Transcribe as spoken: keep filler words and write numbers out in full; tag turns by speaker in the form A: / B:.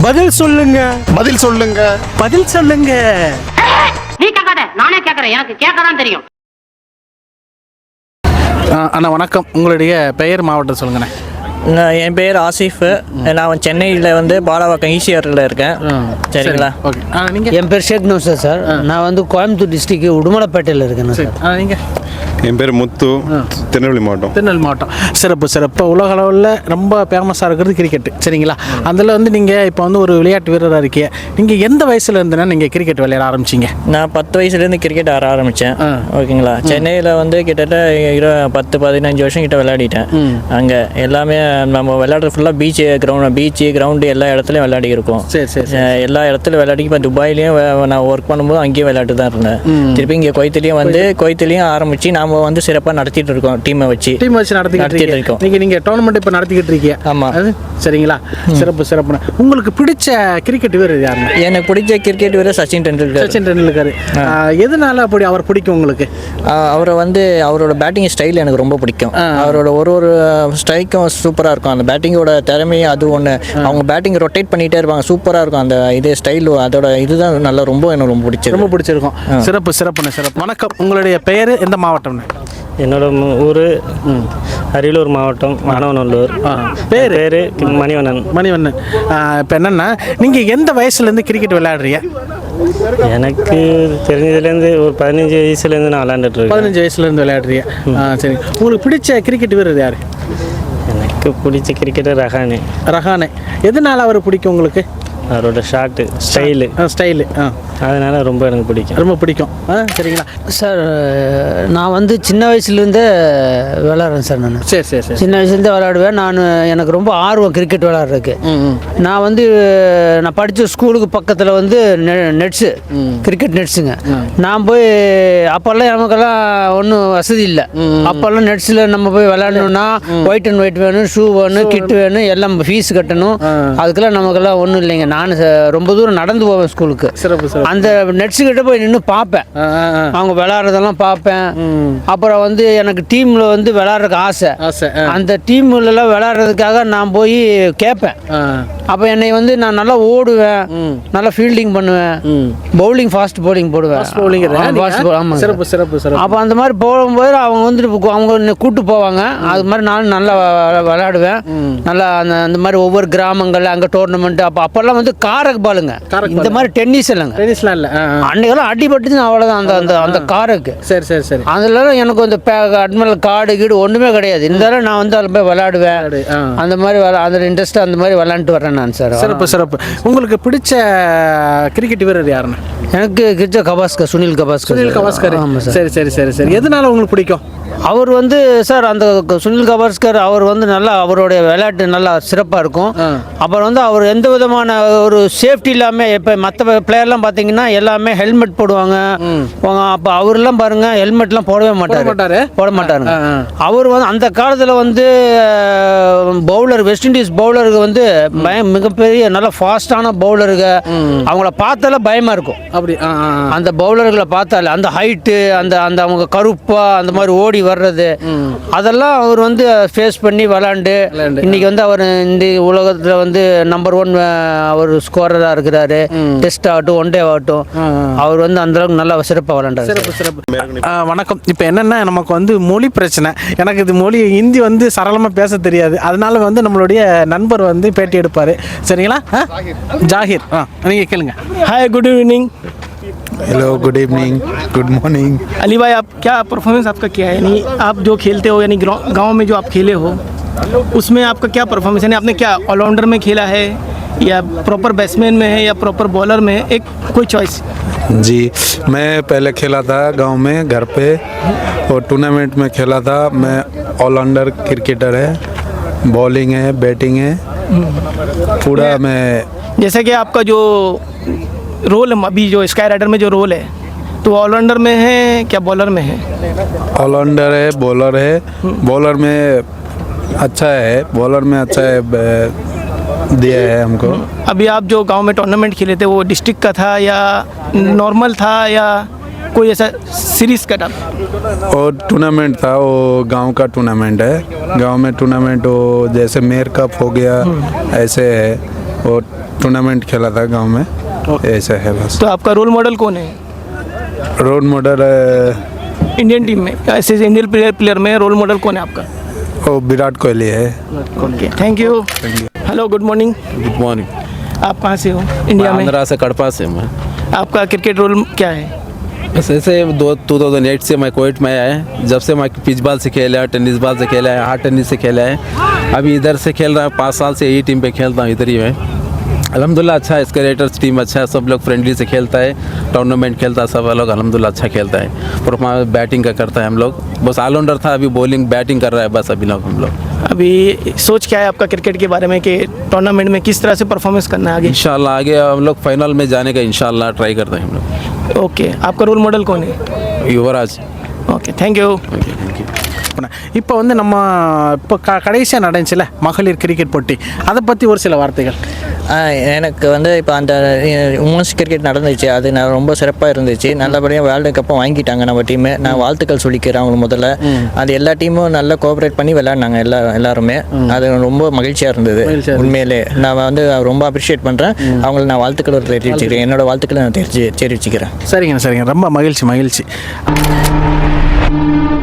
A: பதில் சொல்லுங்க.
B: பதில் சொல்லுங்க.
A: பதில் சொல்லுங்க.
C: நீ கேட்காத, நானே கேட்கறேன். எனக்கு கேட்கதான் தெரியும்.
A: அண்ணா வணக்கம், உங்களுடைய பெயர் மாவட்டம் சொல்லுங்கண்ணே.
D: நான் என் பேர் ஆசிஃப். நான் சென்னையில் வந்து பாலாவாக்கம் ஈசிஆரில் இருக்கேன். சரிங்களா?
A: ஓகே. நீங்கள்?
E: என் பேர் ஷேக் நௌசர் சார். நான் வந்து கோயம்புத்தூர் டிஸ்ட்ரிக்ட் உடுமலைப்பேட்டையில் இருக்கேன் சார்.
A: நீங்கள்?
B: என் பேர் முத்து, திருநெல்வேலி மாவட்டம்.
A: திருநெல்வேலி மாவட்டம். சிறப்பு சிறப்பு. உலக அளவில் ரொம்ப ஃபேமஸாக இருக்கிறது கிரிக்கெட்டு. சரிங்களா? அதில் வந்து நீங்கள் இப்போ வந்து ஒரு விளையாட்டு வீரராக இருக்கீங்க. நீங்கள் எந்த வயசுல இருந்துன்னா நீங்கள் கிரிக்கெட் விளையாட ஆரம்பிச்சிங்க?
D: நான் பத்து வயசுலேருந்து கிரிக்கெட் ஆட ஆரம்பித்தேன். ஓகேங்களா? சென்னையில் வந்து கிட்டத்தட்ட இரு பத்து பதினஞ்சு வருஷம் கிட்ட விளையாடிட்டேன். அங்கே எல்லாமே நம்ம விளையாடுறது ஃபுல்லாக பீச்சு கிரவுண்ட் பீச்சு கிரவுண்டு எல்லா இடத்துலையும் விளையாடி இருக்கோம்.
A: சரி சரி.
D: எல்லா இடத்துலையும் விளையாடி இப்போ துபாயிலையும் நான் ஒர்க் பண்ணும்போது அங்கேயும் விளையாட்டு தான் இருந்தேன். திருப்பி இங்கே கொய்த்துலேயும் வந்து கொய்த்துலேயும் ஆரம்பித்து நாம் வந்து சிறப்பாக நடத்திட்டு இருக்கோம். டீமை வச்சு
A: டீம் வச்சு நடத்திக்கிட்டு இருக்கோம். நீங்கள் நீங்கள் டோர்னமெண்ட் இப்போ நடத்திக்கிட்டு இருக்கீங்க.
D: ஆமாம்.
A: அது சரிங்களா? சிறப்பு சிறப்பு. உங்களுக்கு பிடிச்ச கிரிக்கெட் வீரர் யாருங்க?
D: எனக்கு பிடிச்ச கிரிக்கெட் வீரர் சச்சின் டெண்டுல்கர்.
A: சச்சின் டெண்டுல்கர். எதனால அப்படி அவர் பிடிக்கும் உங்களுக்கு?
D: அவரை வந்து அவரோட பேட்டிங் ஸ்டைல் எனக்கு ரொம்ப பிடிக்கும். அவரோட ஒரு ஒரு ஸ்ட்ரைக்கும் சூப்பராக இருக்கும். அந்த பேட்டிங்கோட திறமையும் அது ஒன்று. அவங்க பேட்டிங் ரொட்டேட் பண்ணிகிட்டே இருப்பாங்க. சூப்பராக இருக்கும் அந்த இது ஸ்டைல். அதோட இதுதான் நல்லா ரொம்ப எனக்கு ரொம்ப பிடிச்சது.
A: ரொம்ப பிடிச்சிருக்கும். சிறப்பு சிறப்புண்ணே சிறப்பு. வணக்கம், உங்களுடைய பெயர் எந்த மாவட்டம்னு?
F: என்னோட ஊர் அரியலூர் மாவட்டம் வானவநல்லூர்.
A: பேர்
F: பேர் மணிவண்ணன்.
A: மணிவண்ணன். இப்போ என்னென்னா நீங்கள் எந்த வயசுலேருந்து கிரிக்கெட் விளையாடுறீங்க?
F: எனக்கு தெரிஞ்சதுலேருந்து ஒரு பதினஞ்சு வயசுலேருந்து நான் விளையாண்டுட்ருக்கேன்.
A: பதினஞ்சு வயசுலேருந்து விளையாடுறீங்க. ஆ சரி. உங்களுக்கு பிடிச்ச கிரிக்கெட் வீரர் யார்?
F: எனக்கு பிடிச்ச கிரிக்கெட்டர் ரஹானே.
A: ரஹானே. எதனால் அவர் பிடிக்கும் உங்களுக்கு?
F: அவரோட ஷாட்டு ஸ்டைலு
A: ஸ்டைலு ஆ
F: அதனால ரொம்ப எனக்கு பிடிக்கும்.
A: ரொம்ப பிடிக்கும். ஆ சரிங்களா
E: சார்? நான் வந்து சின்ன வயசுலேருந்தே விளாட்றேன் சார். நான்
A: சரி சரி சரி.
E: சின்ன வயசுலேருந்தே விளாடுவேன். நான் எனக்கு ரொம்ப ஆர்வம் கிரிக்கெட் விளாட்றதுக்கு. நான் வந்து நான் படித்த ஸ்கூலுக்கு பக்கத்தில் வந்து நெ நெட்ஸு கிரிக்கெட் நெட்ஸுங்க. நான் போய் அப்போல்லாம் நமக்கெல்லாம் ஒன்றும் வசதி இல்லை. அப்போல்லாம் நெட்ஸில் நம்ம போய் விளாடணுன்னா ஒயிட் அண்ட் ஒயிட் வேணும், ஷூ வேணும், கிட்டு வேணும், எல்லாம் ஃபீஸ் கட்டணும். அதுக்கெல்லாம் நமக்கெல்லாம் ஒன்றும் இல்லைங்க. நான் ரொம்ப தூரம் நடந்து போவேன் ஸ்கூலுக்கு.
A: சிறப்பு சிறப்பு.
E: அந்த நெட்ஸு கிட்ட போய் நின்று பார்ப்பேன். அவங்க விளாட்றதெல்லாம் பார்ப்பேன். அப்புறம் வந்து எனக்கு டீமில் வந்து விளாட்றதுக்கு ஆசை
A: ஆசை
E: அந்த டீம்லலாம் விளாட்றதுக்காக நான் போய் கேட்பேன். அப்போ என்னை வந்து நான் நல்லா ஓடுவேன், நல்லா ஃபீல்டிங் பண்ணுவேன், பவுலிங் ஃபாஸ்ட் பவுலிங் போடுவேன். ஆமாம்.
A: சிறப்பு சிறப்பு சிறப்பு.
E: அப்போ அந்த மாதிரி போகும்போது அவங்க வந்துட்டு அவங்க கூப்பிட்டு போவாங்க. அது மாதிரி நானும் நல்லா விளாடுவேன். நல்லா அந்த அந்த மாதிரி ஒவ்வொரு கிராமங்கள் அங்கே டோர்னமெண்ட். அப்போ அப்போல்லாம் வந்து காரக் பாலுங்க, இந்த மாதிரி டென்னிஸ் இல்லைங்க.
A: டென்னிஸ்லாம் இல்லை.
E: அன்னைக்கெல்லாம் அடிபட்டுச்சு அவ்வளோதான் அந்த அந்த அந்த காருக்கு.
A: சரி சரி சரி.
E: அதில் எனக்கு அந்த அட்மல் காடு கீடு ஒன்றுமே கிடையாது. இருந்தாலும் நான் வந்து அதில் போய் விளையாடுவேன். அந்த மாதிரி அதில் இன்ட்ரெஸ்ட்டாக அந்த மாதிரி விளையாண்டுட்டு வரேன் நான் சார்.
A: சிறப்பு சிறப்பு. உங்களுக்கு பிடிச்ச கிரிக்கெட் வீரர் யாருன்னு?
E: எனக்கு கிரிச்ச கவாஸ்கர், சுனில் கவாஸ்கர்.
A: சுனில் கவாஸ்கர். ஆமாம் சார். சரி சரி சரி சரி. எதனால உங்களுக்கு பிடிக்கும்?
E: அவர் வந்து சார் அந்த சுனில் கவாஸ்கர் அவர் வந்து நல்லா அவருடைய விளையாட்டு நல்லா சிறப்பாக இருக்கும். அப்புறம் வந்து அவர் எந்த விதமான ஒரு சேஃப்டி இல்லாமல் இப்போ மற்ற பிளேயர்லாம் பார்த்தீங்கன்னா எல்லாமே ஹெல்மெட் போடுவாங்க. அப்போ அவரெல்லாம் பாருங்கள் ஹெல்மெட்லாம் போடவே மாட்டார் மாட்டார் போட மாட்டாருங்க. அவர் வந்து அந்த காலத்தில் வந்து பவுலர் வெஸ்ட் இண்டீஸ் பவுலருக்கு வந்து பயம் மிகப்பெரிய நல்ல ஃபாஸ்டான பவுலருக்கு அவங்கள பார்த்தாலே பயமாக இருக்கும். அப்படி அந்த பவுலர்களை பார்த்தாலே அந்த ஹைட்டு அந்த அந்த அவங்க கருப்பா அந்த மாதிரி ஓடி வர்றது அதெல்லாம் அவர் வந்து ஃபேஸ் பண்ணி விளாண்டு இன்னைக்கு வந்து அவர் இந்த உலகத்தில் வந்து நம்பர் ஒன் அவர் ஸ்கோரராக இருக்கிறாரு. டெஸ்ட் ஆகட்டும் ஒன் டே ஆகட்டும் அவர் வந்து அந்த அளவுக்கு நல்லா சிறப்பாக விளாண்டாரு.
A: சிறப்பு சிறப்பு. வணக்கம். இப்போ என்னென்னா நமக்கு வந்து மொழி பிரச்சனை. எனக்கு இது மொழி ஹிந்தி வந்து சரளமாக பேச தெரியாது. அதனால வந்து நம்மளுடைய நண்பர் வந்து பேட்டி எடுப்பார். சரிங்களா? ஜாகிர். ஆ நீங்கள் கேளுங்க.
G: Hi good evening.
B: Hello, good evening, good morning.
G: Ali भाई, आप क्या परफॉर्मेंस आपका क्या है? यानी आप जो खेलते हो यानी गांव में जो आप खेले हो उसमें आपका क्या परफॉर्मेंस? यानी आपने क्या ऑलराउंडर में खेला है या प्रॉपर बैट्समैन में है या प्रॉपर बॉलर में है? एक कोई चॉइस.
H: जी, मैं पहले खेला था गांव में घर पे और टूर्नामेंट में खेला था. मैं ऑलराउंडर क्रिकेटर है, बॉलिंग है, बैटिंग है, पूरा मैं.
G: जैसे कि आपका जो रोल अभी जो स्काई राइडर में जो रोल है तो ऑलराउंडर में है क्या बॉलर में है?
H: ऑलराउंडर है, बॉलर है. बॉलर में अच्छा है, बॉलर में अच्छा है दिया है हमको.
G: अभी आप जो गांव में टूर्नामेंट खेले थे वो डिस्ट्रिक्ट का था या नॉर्मल था या कोई ऐसा सीरीज का था?
H: और टूर्नामेंट था, वो गांव का टूर्नामेंट है. गांव में टूर्नामेंट वो जैसे मेयर कप हो गया ऐसे है. और टूर्नामेंट खेला था गांव में, ऐसा है बस।
G: तो आपका रोल मॉडल कौन है
H: रोल मॉडल
G: इंडियन टीम में? ऐसे इंडियन प्लेयर प्लेयर में रोल मॉडल कौन है आपका?
H: वो विराट कोहली है।
G: Okay, thank you. Hello, good morning.
I: Good morning.
G: आप कहाँ से हो इंडिया में?
I: आंध्रा से कड़पा से मैं।
G: आपका क्रिकेट रोल क्या है?
I: बस ऐसे दो टू थाउजेंड एट से मैं कोविड में आया है। जब से मैं पिच बॉल से खेला है, टेनिस बॉल से खेला है, हार्ड टेनिस से खेला है, अभी इधर से खेल रहा है। पाँच साल से यही टीम पे खेलता हूँ, इधर ही मैं। अल्हम्दुलिल्लाह अच्छा है, स्केलेटर्स टीम अच्छा है, सब लोग फ्रेंडली से खेलता है, टूर्नामेंट खेलता है, सब लोग अल्हम्दुलिल्लाह अच्छा खेलता है। परफॉर्मेंस बैटिंग का करता है हम लोग, बस ऑलराउंडर था, अभी बॉलिंग बैटिंग कर रहा है बस अभी लोग हम लोग।
G: अभी सोच क्या है आपका क्रिकेट के बारे में कि टूर्नामेंट में किस तरह से परफॉर्मेंस करना है आगे?
I: इंशाल्लाह आगे हम लोग फाइनल में जाने का इंशाल्लाह ट्राई करते हैं हम लोग।
G: ओके, आपका रोल मॉडल कौन है?
I: Yuvraj.
G: Okay, thank you.
I: Okay, thank you.
A: இப்போ வந்து நம்ம இப்போ க கடைசியாக நடந்துச்சுல மகளிர் கிரிக்கெட் போட்டி, அதை பற்றி ஒரு சில வார்த்தைகள்.
D: ஆ, எனக்கு வந்து இப்போ அந்த உமன்ஸ் கிரிக்கெட் நடந்துச்சு, அது நான் ரொம்ப சிறப்பாக இருந்துச்சு. நல்லபடியாக வேர்ல்டு கப்பும் வாங்கிட்டாங்க நம்ம டீமு. நான் வாழ்த்துக்கள் சொல்லிக்கிறேன் அவங்க முதல்ல. அது எல்லா டீமும் நல்லா கோஆப்ரேட் பண்ணி விளையாடினாங்க எல்லா எல்லாருமே. அது ரொம்ப மகிழ்ச்சியாக இருந்தது உண்மையிலே. நான் வந்து ரொம்ப அப்ரிஷியேட் பண்ணுறேன் அவங்கள. நான் வாழ்த்துக்கள் தெரிவிச்சுக்கிறேன், என்னோட வாழ்த்துக்களை நான் தெரிஞ்சு தெரிவிச்சுக்கிறேன்.
A: சரிங்க சரிங்க, ரொம்ப மகிழ்ச்சி மகிழ்ச்சி.